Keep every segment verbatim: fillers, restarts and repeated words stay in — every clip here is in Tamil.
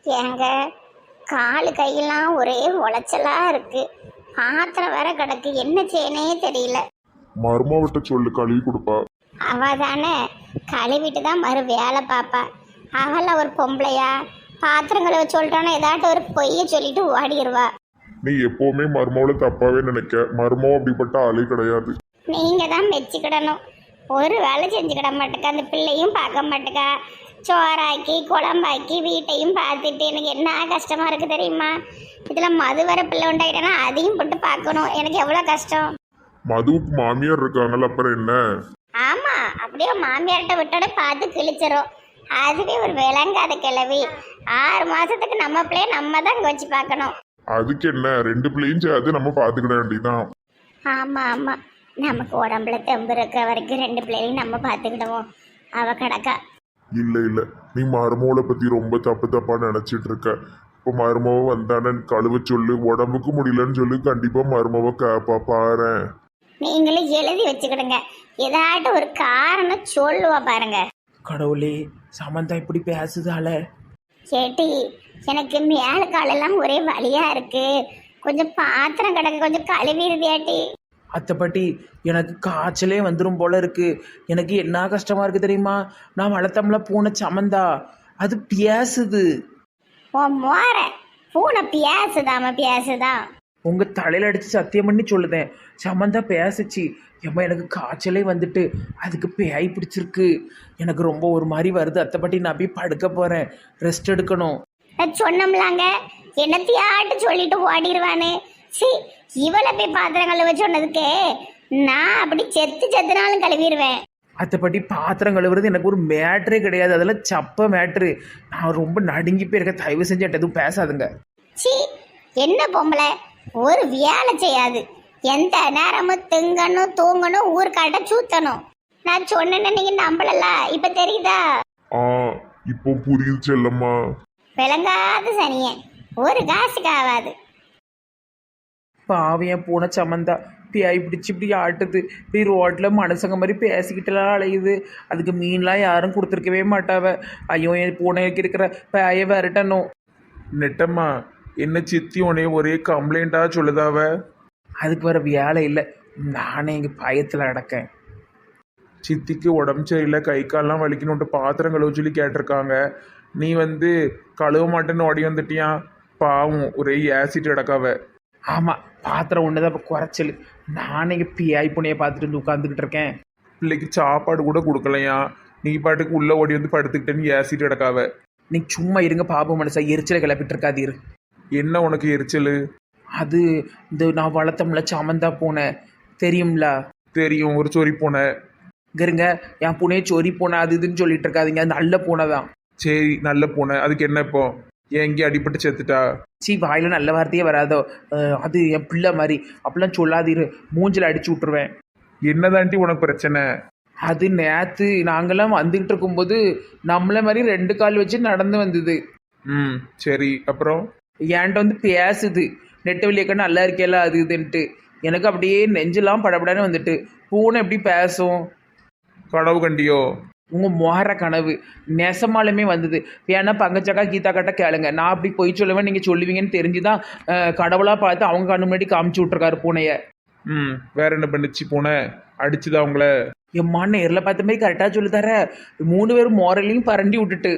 ஏங்க காலு கையெல்லாம் ஒரே உளைச்சலா இருக்கு. பாத்திரம் வேற கிடக்கு, என்ன செய்யனே தெரியல. மருமாவிட்ட சொல்லு கழுவி கொடுப்பா. அவ தானே கழுவிட்டு தான் மறு வேலை பாப்பா. அவள ஒரு பொம்பளையா பாத்திரம் கழுவ சொல்லிட்டானா ஏதாட்டும் ஒரு பொய்ய சொல்லிட்டு ஓடிடுவா. நீ எப்பவுமே மருமாவில தப்பாவே நினைக்க. மருமாவும் அப்படிப்பட்ட ஆளே கிடையாது. நீங்க தான் மெச்சிக்கிடணும். ஒரு வேலை செஞ்சுக்கிட மாட்டேக்கா, அந்த பிள்ளையும் பார்க்க மாட்டேக்கா. சோறாக்கி குழம்பாக்கி வீட்டையும் பார்த்துட்டு எனக்கு என்ன கஷ்டமா இருக்கு தெரியுமா? இதுல மது வர பிள்ளை உண்டாயிட்டேன்னா அதையும் போட்டு பார்க்கணும், எனக்கு எவ்வளவு கஷ்டம். மதுவுக்கு மாமியார் இருக்காங்கல்ல, அப்புறம் என்ன? ஆமா, அப்படியே மாமியார்கிட்ட விட்டோட பார்த்து கிழிச்சிரும். அதுவே ஒரு விளங்காத கிளவி. ஆறு மாசத்துக்கு நம்ம பிள்ளைய நம்ம தான் இங்க வச்சு பார்க்கணும். அதுக்கு என்ன, ரெண்டு பிள்ளையும் சேர்த்து நம்ம பார்த்துக்கிட வேண்டியதான். ஆமா ஆமா, நமக்கு உடம்புல தெம்பு இருக்க வரைக்கும் ரெண்டு பிள்ளைகளையும் நம்ம பார்த்துக்கிடுவோம். அவ கிடக்கா. இல்ல இல்ல, நீ மருமகளை பத்தி ரொம்ப தப்பு தப்பா நினைச்சிட்டு இருக்க. இப்போ மருமவ வந்தானே கழுவ சொல்லு, உடம்புக்கு முடியலன்னு சொல்லி கண்டிப்பா மருமவ கேப்பா பாரு. நீங்களும் எழுதி வச்சுக்கிடுங்க, ஏதாட்டும் ஒரு காரணம் சொல்லுவா பாருங்க. கடவுளே, சமந்தா இப்படி பேசுதால. கேட்டி, எனக்கு மேல காலெல்லாம் ஒரே வலியா இருக்கு, கொஞ்சம் பாத்திரம் கிடக்கு, கொஞ்சம் கழுவிடுதியாட்டி. அத்தைப்பட்டி, எனக்கு காய்ச்சலே வந்துடும் போல இருக்கு. எனக்கு என்ன கஷ்டமா இருக்கு தெரியுமா? நான் வளர்த்தம்ல பூனை சமந்தா, அது பேசுது. ஓ மோர பூனை பேசுதாம பேசுதான். உங்க தலையில அடிச்சு சத்தியம் பண்ணி சொல்லுதேன், சமந்தா பேசுச்சு. ஏம்மா எனக்கு காய்ச்சலே வந்துட்டு அதுக்கு பேய் பிடிச்சிருக்கு. எனக்கு ரொம்ப ஒரு மாதிரி வருது அத்தைப்பட்டி, நான் போய் படுக்க போறேன், ரெஸ்ட் எடுக்கணும். நான் சொன்னோம்லாங்க, என்னத்தையாட்டு சொல்லிட்டு ஓடிடுவானு. சி, இவளை போய் பாத்திரம் கழுவ சொன்னதுக்கு நான் அப்படி செத்து செத்துனாலும் கழுவிடுவேன். அத்தைப்பட்டி, பாத்திரம் கழுவுறது எனக்கு ஒரு மேட்ரே கிடையாது, அதெல்லாம் சப்ப மேட்ரு. நான் ரொம்ப நடுங்கி போயிருக்க, தயவு செஞ்சு எதுவும் பேசாதுங்க. சி, என்ன பொம்பளை, ஒரு வேலை செய்யாது, எந்த நேரமும் திங்கணும் தூங்கணும் ஊர்காட்ட சூத்தணும். நான் சொன்னேன்னு நீங்க நம்பலல, இப்ப தெரியுதா? ஆ, இப்போ புரியுது செல்லம்மா. விளங்காத சனிய, ஒரு காசுக்கு ஆகாது. பாவியன் பூனை சமந்தா பேய் பிடிச்சி இப்படி ஆட்டுது. இப்படி ரோட்டில் மனுஷங்க மாதிரி பேசிக்கிட்டுலாம் அலையுது. அதுக்கு மீன்லாம் யாரும் கொடுத்துருக்கவே மாட்டாவ. ஐயோ, என் பூனைக்கு இருக்கிற பேயை விரட்டணும். நெட்டம்மா, என்ன சித்தி உனைய ஒரே கம்ப்ளைண்டா சொல்லுதாவ? அதுக்கு வர வேலை இல்லை, நானே இங்கே பயத்தில் அடக்கேன். சித்திக்கு உடம்பு சரியில்லை, கை கால்லாம் வலிக்கணுன்ட்டு பாத்திரம் கழுவ சொல்லி கேட்டிருக்காங்க. நீ வந்து கழுவ மாட்டேன்னு ஓடி வந்துட்டியா? பாவம், ஒரே ஆசிட் அடக்காவ. ஆமாம், பாத்திரம் ஒன்று தான் இப்போ குறைச்சல். நானே இங்கே பிஐ புனையை பார்த்துட்டு வந்து உட்காந்துக்கிட்டு இருக்கேன். பிள்ளைக்கு சாப்பாடு கூட கொடுக்கலையா? நீ பாட்டுக்கு உள்ள ஓடி வந்து படுத்துக்கிட்டேன்னு ஆசிட் அடக்காவ. நீ சும்மா இருங்க பாபு மனசா, எரிச்சலை கிளப்பிட்டு இருக்காதீரு. என்ன உனக்கு எரிச்சல்? அது இந்த நான் வளர்த்தம்ல சமந்தா பூனை தெரியும்ல? தெரியும், ஒரு சொறி பூனை. இருங்க, என் பூனையை சொறி பூனை அது இதுன்னு சொல்லிட்டு இருக்காதீங்க, அது நல்ல பூனை தான். சரி, நல்ல பூனை. அதுக்கு என்ன இப்போ? எங்கே அடிபட்டு செத்துட்டா? சி, வாயில நல்ல வார்த்தையே வராதோ. அது என் பிள்ளை மாதிரி, அப்படிலாம் சொல்லாதீரு, மூஞ்சில் அடிச்சு விட்டுருவேன். என்னதாண்டி உனக்கு பிரச்சனை? அது நேற்று நாங்களாம் வந்துக்கிட்டு இருக்கும்போது நம்மள மாதிரி ரெண்டு கால் வச்சு நடந்து வந்தது. ம், சரி, அப்புறம்? என்கிட்ட வந்து பேசுது, நெட்ட வெளியக்க நல்லா இருக்கேல அது இதுன்ட்டு. எனக்கு அப்படியே நெஞ்செல்லாம் படப்படான்னு வந்துட்டு. பூனை எப்படி பேசும்? கனவு கண்டியோ? உங்கள் மோர கனவு நெசமாலுமே வந்தது. வேணா பங்கச்சக்கா கீதா கட்ட கேளுங்க, நான் அப்படி போய் சொல்லுவேன், நீங்கள் சொல்லுவீங்கன்னு தெரிஞ்சு தான் கடவுளாக பார்த்து அவங்க கண்ணு முன்னாடி காமிச்சு விட்ருக்காரு பூனையை. ம், வேற என்ன பண்ணிச்சு பூனை? அடிச்சுதா அவங்கள? எம்மா, நேரில் பார்த்த மாதிரி கரெக்டாக சொல்லி தர. மூணு பேரும் மோரலையும் பரண்டி விட்டுட்டு.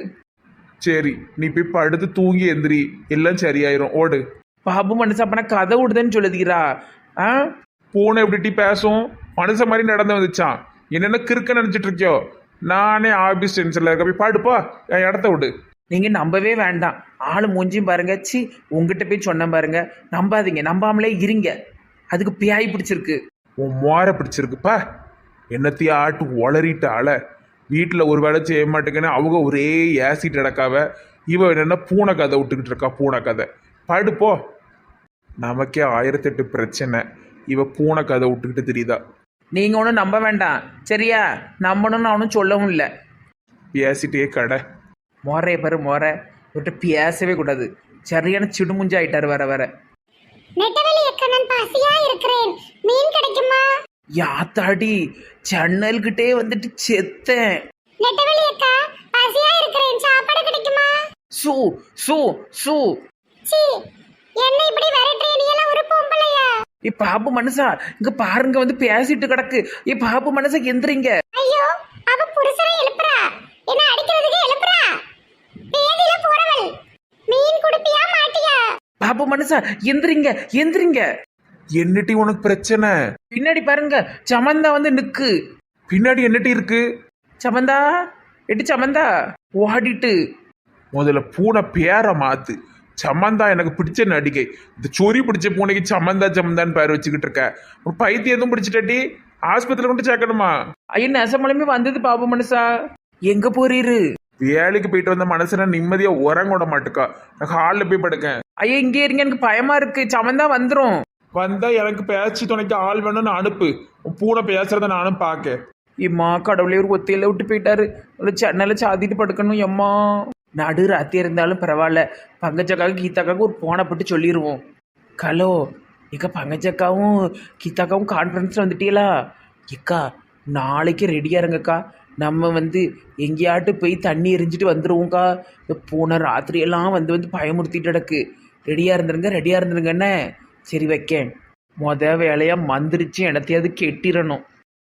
சரி, நீ போய் படுத்து தூங்கி எந்திரி, எல்லாம் சரியாயிரும், ஓடு. பாபு மனுஷன் அப்பனா கதை விடுதுன்னு சொல்லுதீரா? ஆ, பூனை எப்படி பேசும்? மனுஷ மாதிரி நடந்து வந்துச்சான். என்னென்ன கிறுக்க நினைச்சிட்டு இருக்கியோ? நானே ஆபீஸ் டென்ஷன்ல இருக்க, போய் பாடுப்பா, என் இடத்த விடு. நீங்கள் நம்பவே வேண்டாம், ஆளு மூஞ்சியும் பாருங்க. சி, உங்ககிட்ட போய் சொன்ன பாருங்க, நம்பாதீங்க, நம்பாமலே இருங்க. அதுக்கு பியாய் பிடிச்சிருக்கு. உன் மோர பிடிச்சிருக்குப்பா. என்னத்தையும் ஆட்டு ஒளறிட்டு ஆள வீட்டில் ஒரு வேலை செய்ய மாட்டேங்கன்னு அவங்க ஒரே ஆசிட் அடக்காவ. இவ என்னென்ன பூனை கதை விட்டுக்கிட்டு இருக்கா, பூனை கதை. படுப்போ, நமக்கே ஆயிரத்தெட்டு பிரச்சனை, இவ பூனை கதை விட்டுக்கிட்டு தெரியுதா? நீங்கள் ஒன்றும் நம்ப வேண்டாம் சரியா? நம்பணும்னு அவனும் சொல்லவும் இல்லை. பேசிட்டே கடை மோரைய பாரு, மோரை விட்டு பேசவே கூடாது. சரியான சிடுமுஞ்சா ஆயிட்டாரு வர வர. நெட்டவெளி அக்கா, நான் பசியா இருக்கிறேன், மீன் கிடைக்குமா? யாத்தாடி, ஜன்னல்கிட்டே வந்துட்டு செத்தேன். நெட்டவெளி அக்கா, பசியா இருக்கிறேன், சாப்பாடு கிடைக்குமா? சூ சூ சூ. சீ, என்ன இப்படி விரட்டுற? நீ எல்லாம் ஒரு பொம்பளையா? ஏ பாபு மனுஷா, இங்க பாருங்க வந்து பேசிட்டு கிடக்கு. ஏ பாபு மனுஷா எந்திரிங்க. ஐயோ, அவ புருஷனை எழுப்புறா, என்ன அடிக்கிறதுக்கு எழுப்புறா. பேதியில போறவள், மீன் குடுப்பியா மாட்டியா? பாபு மனுஷா எந்திரிங்க எந்திரிங்க. என்னட்டி உனக்கு பிரச்சனை? பின்னாடி பாருங்க, சமந்தா வந்து நிக்கு. பின்னாடி என்னட்டி இருக்கு? சமந்தா, எட்டு சமந்தா ஓடிட்டு. முதல்ல பூனை பேரை மாத்து. சமந்தா எனக்கு பிடிச்ச நடிகை. இந்த சொறி பிடிச்ச பூனைக்கு சமந்தா சமந்தான்னு பேர் வச்சுக்கிட்டு இருக்க. ஒரு பைத்தியம் எதுவும் பிடிச்சிட்டாட்டி ஆஸ்பத்திரியில் கொண்டு சேர்க்கணுமா? ஐயா நெசமலமே வந்தது பாபு மனுஷா. எங்க போறீரு? வேலைக்கு போயிட்டு வந்த மனசுல நிம்மதியா உறங்க விட மாட்டுக்கா. நான் ஹாலில் போய் படுக்கேன். ஐயா இங்கே இருங்க, எனக்கு பயமா இருக்கு. சமந்தா வந்துரும். வந்தா எனக்கு பேச்சு துணைக்கு ஆள் வேணும்னு அனுப்பு. உன் பூனை பேசுறத நானும் பார்க்க. இம்மா கடவுளே, ஒரு ஒத்தையில விட்டு போயிட்டாரு. ஒரு சென்னையில சாத்திட்டு படுக்கணும். எம்மா நடு ராத்தி இருந்தாலும் பரவாயில்ல, பங்கஜக்காவுக்கு கீதாக்காவுக்கு ஒரு போனை போட்டு சொல்லிடுவோம். ஹலோ இக்கா, பங்கஜக்காவும் கீதாக்காவும் கான்ஃபரன்ஸில் வந்துட்டீங்களா? இக்கா நாளைக்கு ரெடியாக இருங்கக்கா. நம்ம வந்து எங்கேயாட்டு போய் தண்ணி எரிஞ்சிட்டு வந்துடுவோங்க்கா. இந்த பூனை ராத்திரியெல்லாம் வந்து வந்து பயமுறுத்திட்டு கிடக்கு. ரெடியாக இருந்துருங்க ரெடியாக இருந்துருங்கண்ணே. சரி வைக்கேன். மொத வேலையாக மந்திரிச்சு எனத்தையாவது கெட்டிடணும்.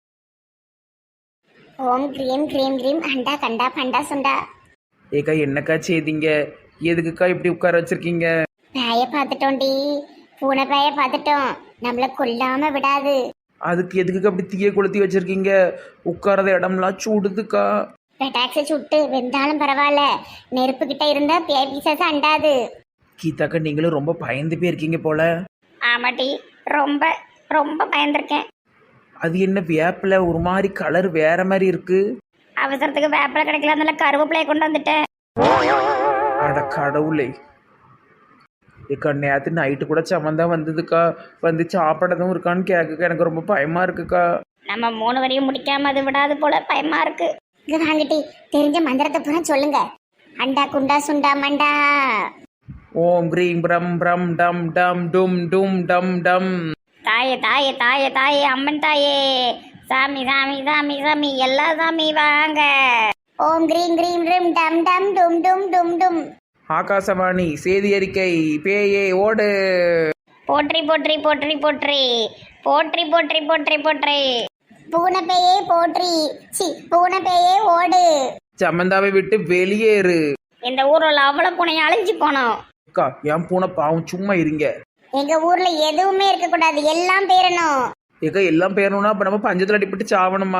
ஓம் கிரீம் கிரீம் கிரீம் அண்டா கண்டா பண்டா சுண்டா. ஏக்கா என்னக்கா செய்தீங்க? எதுக்குக்கா இப்படி உட்கார வச்சிருக்கீங்க? பேய பார்த்துட்டோண்டி, பூனை பேய பார்த்துட்டோம். நம்மள கொல்லாம விடாது. அதுக்கு எதுக்குக்கா அப்படி தீய கொளுத்தி வச்சிருக்கீங்க? உட்காரத இடம்லாம் சூடுதுக்கா. பெட்டாக்ஸை சுட்டு வெந்தாலும் பரவாயில்ல, நெருப்பு கிட்ட இருந்தா பேய் பிசாசு அண்டாது. கீதாக்கா நீங்களும் ரொம்ப பயந்து போயிருக்கீங்க போல. ஆமாட்டி, ரொம்ப ரொம்ப பயந்துருக்கேன். அது என்ன வேப்பில ஒரு மாதிரி கலர் வேற மாதிரி இருக்கு? அவசரத்துக்கு வேப்பில கிடைக்கல, அதனால கருவேப்பிலையை கொண்டு வந்துட்டேன். அட கடவுளே. ஏக்கா நேற்று நைட்டு கூட சமந்தா வந்ததுக்கா. வந்து சாப்பிடதும் இருக்கான்னு கேட்குக்கா. எனக்கு ரொம்ப பயமா இருக்குக்கா. நம்ம மூணு வரையும் முடிக்காம அது விடாது போல, பயமா இருக்கு. இங்க வாங்கிட்டி, தெரிஞ்ச மந்திரத்தை பூரா சொல்லுங்க. அண்டா குண்டா சுண்டா மண்டா. ஓம் கிரீம் பிரம் பிரம் டம் டம் டும் டும் டம் டம். தாயே தாயே தாயே தாயே அம்மன் தாயே, சாமி சாமி சாமி சாமி எல்லா சாமி வாங்க. ஓம் கிரீம் கிரீம் கிரீம் டம் டம் டும் டும் டும் டும். ஆகாசவாணி செய்தி அறிக்கை. பேயே ஓடு. போற்றி போற்றி போற்றி போற்றி போற்றி போற்றி போற்றி போற்றி. பூனை பேயே போற்றி, சி பூனை பேயே ஓடு. சமந்தாவை விட்டு வெளியேறு. இந்த ஊர்ல அவ்வளவு பூனை அழிஞ்சு போனோம். அக்கா என் பூனை பாவம், சும்மா இருங்க. எங்க ஊர்ல எதுவுமே இருக்க கூடாது, எல்லாம் பேரணும். ஏக்கா எல்லாம் பேரணும்னா அப்ப நம்ம பஞ்சத்துல அடிப்பட்டு சாவணுமா?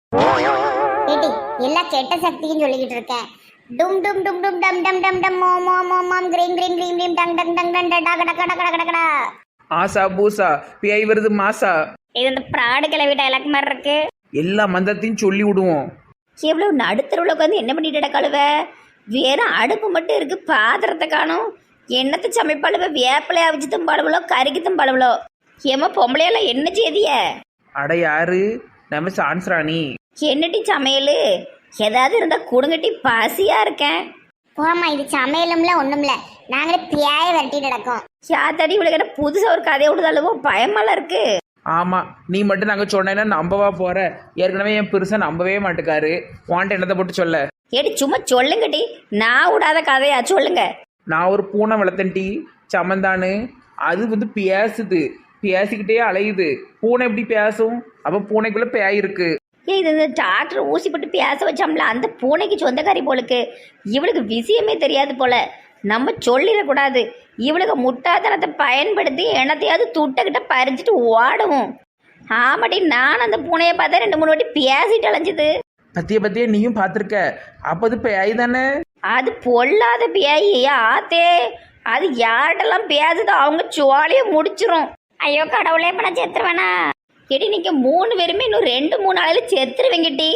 ஏடி, எல்லா கெட்ட சக்தியும் சொல்லிக்கிட்டு இருக்கேன். டும் டும் டும் டும் டம் டம் டம் டம் மோ மோ மோ மாம் கிரீம் கிரீம் கிரீம் கிரீம் டங் டங் டங் டங் டா கட கட கட கட கட. ஆசா பூசா பேய் வருது மாசா. இது இந்த பிராடு கிளவி டைலாக் மாதிரி இருக்கு. எல்லா மந்திரத்தையும் சொல்லி விடுவோம். எவ்வளோ நடுத்தருவில் உட்காந்து என்ன பண்ணிட்டு கழுவ? வெறும் அடுப்பு மட்டும் இருக்கு, பாத்திரத்தை காணும். என்னத்தை சமைப்பாளுவ? வேப்பிலையை அவிச்சு தம்பாளுவளோ, கறிக்கு தம்பாளுவளோ? ஏமா பொம்பளையெல்லாம் என்ன செய்திய? அட யாரு? நம்ம சான்ஸ்ராணி. என்னட்டி சமையல்? ஏதாவது இருந்தா கொடுங்கட்டி, பசியா இருக்கேன். போமா, இது சமையலும்ல ஒண்ணும்ல, நாங்களே பியாய விரட்டிட்டு நடக்கோம். யாத்தாடி இவ்வளோ புதுசாக ஒரு கதையை விடுதாலவோ பயமெல்லாம் இருக்கு. ஆமா, நீ மட்டும் நாங்க சொன்னேன்னா நம்பவா போற? ஏற்கனவே என் பெருசா நம்பவே மாட்டுக்காரு. வாண்ட என்னத்தை போட்டு சொல்ல? ஏடி சும்மா சொல்லுங்கட்டி, நான் விடாத கதையா சொல்லுங்க. நான் ஒரு பூனை வளர்த்தன்டி, சமந்தானு. அது வந்து பேசுது, பேசிக்கிட்டே அலையுது. பூனை எப்படி பேசும்? அப்ப பூனைக்குள்ள பேய் இருக்கு. ஏ இது இந்த டாக்டர் ஊசி போட்டு பேச வச்சோம்ல, அந்த பூனைக்கு சொந்தக்காரி போலுக்கு. இவளுக்கு விஷயமே தெரியாது போல. நம்ம சொல்லிடக்கூடாது. இவளுக்கு முட்டாத்தனத்தை பயன்படுத்தி என்னத்தையாவது துட்டக்கிட்ட பறிச்சுட்டு ஓடவும். ஆமாடி, நான் அந்த பூனையை பார்த்தா ரெண்டு மூணு வாட்டி பேசிட்டு அலைஞ்சுது. பத்திய பத்திய நீயும் பார்த்துருக்க. அப்போ அது பேய் தானே? அது பொல்லாத பேய் ஆத்தே. அது யார்கிட்டலாம் பேசுதோ அவங்க சோழியை முடிச்சிரும். ஐயோ கடவுளே, இப்ப நான் செத்துருவேனா? எடி நீங்க மூணு பேருமே இன்னும் ரெண்டு மூணு நாளையில செத்துருவீங்கட்டி.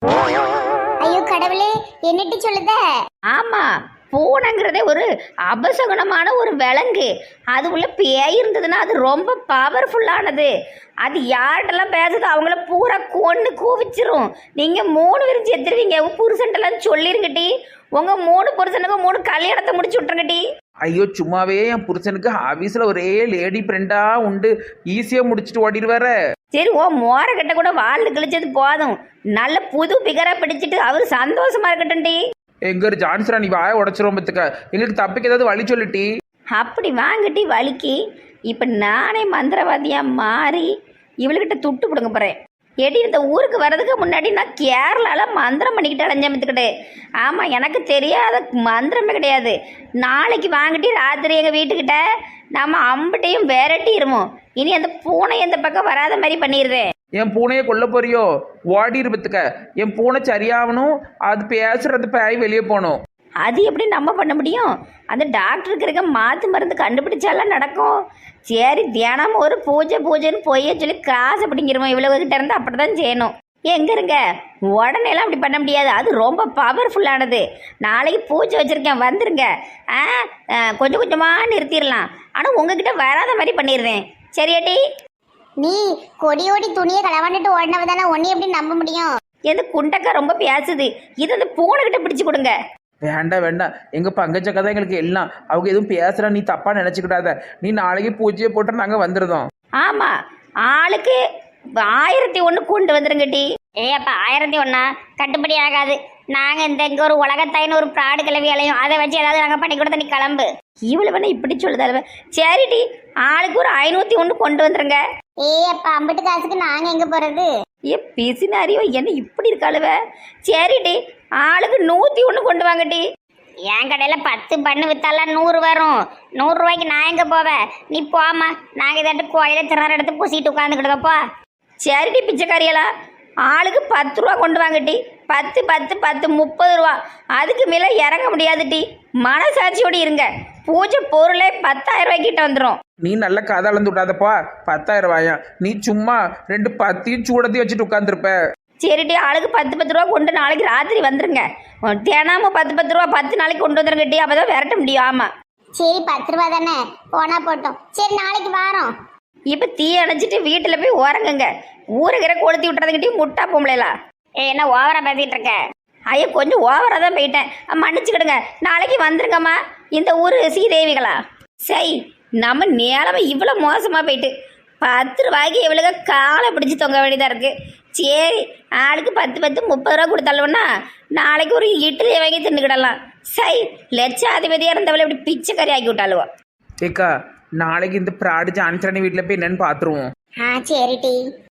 ஐயோ கடவுளே, என்னட்டி சொல்லுத? ஆமா, பூனைங்கிறதே ஒரு அபசகுணமான ஒரு விலங்கு. அது உள்ள பேய் இருந்ததுன்னா அது ரொம்ப பவர்ஃபுல்லானது. அது யார்கிட்டலாம் பேசுதோ அவங்கள பூரா கொண்டு கூவிச்சிரும். நீங்கள் மூணு பேரும் செத்துருவீங்க. புருஷன்ட்டெல்லாம் சொல்லிருங்கட்டி. உங்கள் மூணு புருஷனுக்கு மூணு கல்யாணத்தை முடிச்சு விட்ருங்கட்டி. ஐயோ சும்மாவே என் புருஷனுக்கு ஆஃபீஸில் ஒரே லேடி ஃப்ரெண்டாக உண்டு, ஈஸியாக முடிச்சுட்டு ஓடிடுவார. சரி, ஓ மோர கிட்ட கூட வாழ்ந்து கிழிச்சது போதும். நல்ல புது பிகராக பிடிச்சிட்டு அவர் சந்தோஷமா இருக்கட்டும்டி. எங்க ஒரு ஜான்சரா நீ வாய உடச்சிரும் பத்துக்க. எங்களுக்கு தப்பிக்க ஏதாவது வழி சொல்லிட்டி. அப்படி வாங்கிட்டி வலிக்கு இப்போ நானே மந்திரவாதியாக மாறி இவளுக்கிட்ட துட்டு பிடுங்க போகிறேன். ஏடி இந்த ஊருக்கு வர்றதுக்கு முன்னாடி நான் கேரளாவில் மந்திரம் பண்ணிக்கிட்டு அலைஞ்சமத்துக்கிட்டு. ஆமாம், எனக்கு தெரியாத மந்திரமே கிடையாது. நாளைக்கு வாங்கிட்டு ராத்திரி எங்கள் வீட்டுக்கிட்ட நம்ம அம்பிட்டையும் விரட்டிடுவோம். இனி அந்த பூனை இந்த பக்கம் வராத மாதிரி பண்ணிடுறேன். என் பூனையை கொல்ல போறியோ? ஓடி இருப்பத்துக்க. என் பூனை சரியாகணும், அது பேசுறது பேய் வெளியே போகணும். அது எப்படி நம்ம பண்ண முடியும்? அந்த டாக்டருக்கு இருக்க மாற்று மருந்து கண்டுபிடிச்சாலாம் நடக்கும். சரி, தினமும் ஒரு பூஜை பூஜைன்னு பொய்ய சொல்லி காசு பிடிங்கிறோம். இவ்வளவு கிட்ட இருந்து அப்படி தான் செய்யணும். எங்க இருங்க, உடனேலாம் அப்படி பண்ண முடியாது. அது ரொம்ப பவர்ஃபுல்லானது. நாளைக்கு பூஜை வச்சுருக்கேன், வந்துருங்க. ஆ கொஞ்சம் கொஞ்சமாக நிறுத்திடலாம். ஆனால் உங்ககிட்ட வராத மாதிரி பண்ணிடுறேன். சரியாட்டி? நீ கொடியோடி துணியை களவாண்டுட்டு ஓடினவ தானே, ஒன்னே எப்படி நம்ப முடியும்? எந்த குண்டக்கா ரொம்ப பேசுது. இது அந்த பூனைக்கிட்ட பிடிச்சு கொடுங்க. வேண்டாம் வேண்டாம், எங்க பங்கச்சக்கா தான் எங்களுக்கு எல்லாம். அவங்க எதுவும் பேசுறா, நீ தப்பா நினைச்சுக்கிட்டாத. நீ நாளைக்கு பூஜையை போட்டு நாங்க வந்துருதோம். ஆமா, ஆளுக்கு ஆயிரத்தி ஒன்று கொண்டு வந்துருங்கட்டி. ஏ அப்பா, ஆயிரத்தி ஒன்னா கட்டுப்படி ஆகாது. நாங்க இந்த இங்க ஒரு உலகத்தாயின்னு ஒரு பிராடு கிளவி அலையும், அதை வச்சு ஏதாவது நாங்க பண்ணி கொடுத்த நீ கிளம்பு. இவ்வளவு வேணா இப்படி சொல்லுதால. சரிடி, ஆளுக்கு ஒரு ஐநூத்தி ஒன்று கொண்டு வந்துருங்க. ஏ அப்பா, அம்பிட்டு காசுக்கு நாங்க எங்க போறது? ஏ பிசினாரியோ, என்ன இப்படி இருக்காளுவ? சரிடி, ஆளுக்கு நூத்தி ஒன்று கொண்டு வாங்கட்டி. என் கடையில பத்து பண்ணு வித்தாலாம் நூறு வரும். நூறு ரூபாய்க்கு நான் எங்க போவேன்? நீ போமா, நாங்க இதாட்டு கோயில திறற எடுத்து பூசிட்டு உட்காந்துக்கிட்டதப்பா. சரிடி பிச்சைக்காரியலா, ஆளுக்கு பத்து ரூபா கொண்டு வாங்கட்டி. பத்து பத்து பத்து முப்பது ரூபா. அதுக்கு மேலே இறங்க முடியாதுட்டி. மனசாட்சியோடு இருங்க. பூஜை பொருளே பத்தாயிரம் ரூபாய்க்கு கிட்ட வந்துடும். நீ நல்ல கதை அளந்து விட்டாதப்பா. பத்தாயிரம் ரூபாயா? நீ சும்மா ரெண்டு பத்தையும் சூடத்தையும் வச்சுட்டு உட்காந்துருப்ப. சரிட்டி, ஆளுக்கு பத்து பத்து ரூபா கொண்டு நாளைக்கு ராத்திரி வந்துருங்க. தினமும் பத்து பத்து ரூபா பத்து நாளைக்கு கொண்டு வந்துருங்கட்டி. அப்பதான் விரட்ட முடியும். ஆமா, சரி, பத்து ரூபா தானே, போனா போட்டோம். சரி, நாளைக்கு வாரோம். இப்போ தீ அணைச்சிட்டு வீட்டில் போய் உறங்குங்க. ஊருகிற கொளுத்தி விட்டுறதுங்கிட்டையும் முட்டா பொம்பளைலாம். ஏ, என்ன ஓவரா பேசிட்டு இருக்க? ஐயோ, கொஞ்சம் ஓவராக தான் போயிட்டேன், மன்னிச்சுக்கிடுங்க. நாளைக்கு வந்துருங்கம்மா. இந்த ஊர் சீதேவிகளா? சரி, நம்ம நிலமை இவ்வளோ மோசமாக போயிட்டு பத்து ரூபாய்க்கு இவ்வளோ காலை பிடிச்சி தொங்க வேண்டியதாக இருக்குது. சரி, ஆளுக்கு பத்து பத்து முப்பது ரூபா கொடுத்தாலும்னா நாளைக்கு ஒரு இட்லியை வாங்கி தின்னுக்கிடலாம். சரி, லட்சாதிபதியாக இருந்தவளை இப்படி பிச்சைக்கறி ஆக்கி விட்டாளுவோம். ஏக்கா, நாளைக்கு இந்த ப்ராடு ஜான்சரணி வீட்டில் போய் என்னன்னு பார்த்துருவோம். ஆ, சரி டி.